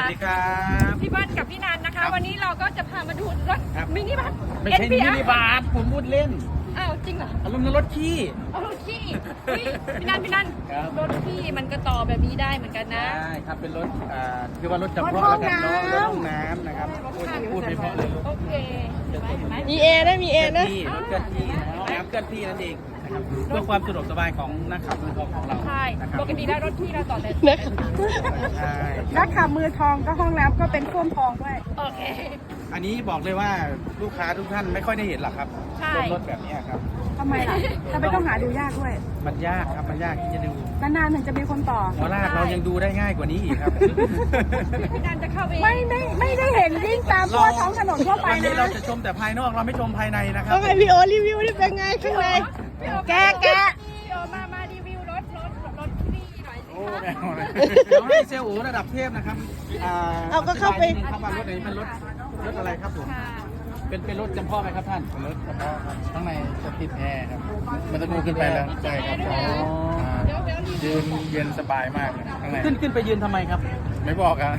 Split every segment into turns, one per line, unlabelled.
ดีครับ
พี่เบิ้ลกับพี่นันนะคะวันนี้เราก็จะพามาดูรถมินิบัส
ไม่ใช่มินิบัสผมพูดเล่น
อ้าวจริงเหรอ
อารมณ์ในรถขี้
เอารถขี้พี่นัน
ครับ
รถขี้มันก็ต่อแบบนี้ได้เหมือนกันนะ
ได้ครับเป็นรถคือว่ารถจำเพาะแล้วกันเนาะรถห้องน้ำนะครับพูดไม่เพราะเลย
โอเคเห็นไหม
มีเอนะมีเอนะ
รถเคลื่อนที่นะครับเคลื่อนที่นั่นเองนะครับเพื่อความสะดวกสบายของนักขับมือทองของเรา
ใช่
นะครับ
ปกติได้รถขี้เราต่อแต่
ใช่
นักขับมือทองก็ห้องน้ำก็เป็นส้วมทองด้วย
โอเค
อันนี้บอกเลยว่าลูกค้าทุกท่านไม่ค่อยได้เห็นหรอกครับ
ใช่
รถแบบนี้ครับ
ทำไมล่ะทำไมต้องหาดูยากด้วย
มันยากครับมันยากที่จะดู
นานๆถึงจะมีคนต่อ
หัวลากเรายังดูได้ง่ายกว่านี้อีกครับ
พี่นันจะเข้าไป
ไม่ได้เห็นวิ่งตามทั่วท้องถนนทั่วไป
วันนี้
นะ
เราจะชมแต่ภายนอกเราไม่ชมภายในนะครับ
ต้องให้พี่โอรีวิวนี่เป็นไงข้างใน แกะ
พี่โอมารีวิวรถขี้หน่อยสิ
โอ้
คะ
ไม่เอาเลยเดี๋ยวให้เซลล์อูระดับเทพนะครับ
เอาก็เข้าไป
อธิบยนิดนึงครับว่ารถอันนี้เป็นรถอะไรครับผม
ค่ะ
เป็นรถจำเพาะไหมครับท่านเป็นรถจำเพาะครับข้างในจะติดแอร์ครับมันจะดูขึ้นไปแล้วใช่ครับ
เดี๋ยวรีวิ
ยื
วน
เย็นสบายมากเลยข้างในขึ้นไปยืนทำไมครับ ไม่บอกครับ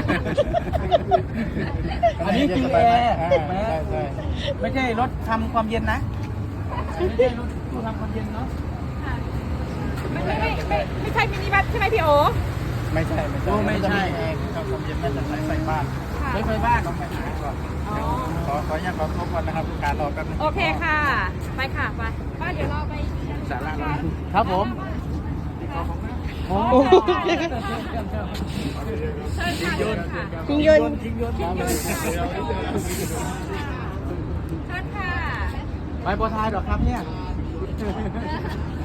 อันนี้จริงแอร์ใช่ไม่ใช่รถทำความเย็นนะไม่ใช่รถตู้ทำความเย็นเนาะ
ไม่ใช่มินิบัสใช่ไหมพี่โอ
ไม่ใช่ไม่ใช่ทำความเย็นมาจากสายไฟบ้านใช้ไฟบ้านต้องไปหาก่อน
อ๋อ
ขออนุญาตขอทบก่อนนะครับการรอแป๊บนึง
โอเคค่ะ ไปค่ะไปป้าเดี๋ยวเราไป
สาระครับผม
โอ้
โอ้
เชิญค่ะเชิญค่ะ
ยิงยนต์
ยิงยนต์
เชิญค่ะ
ไปโปรทายหรอครับเนี่ย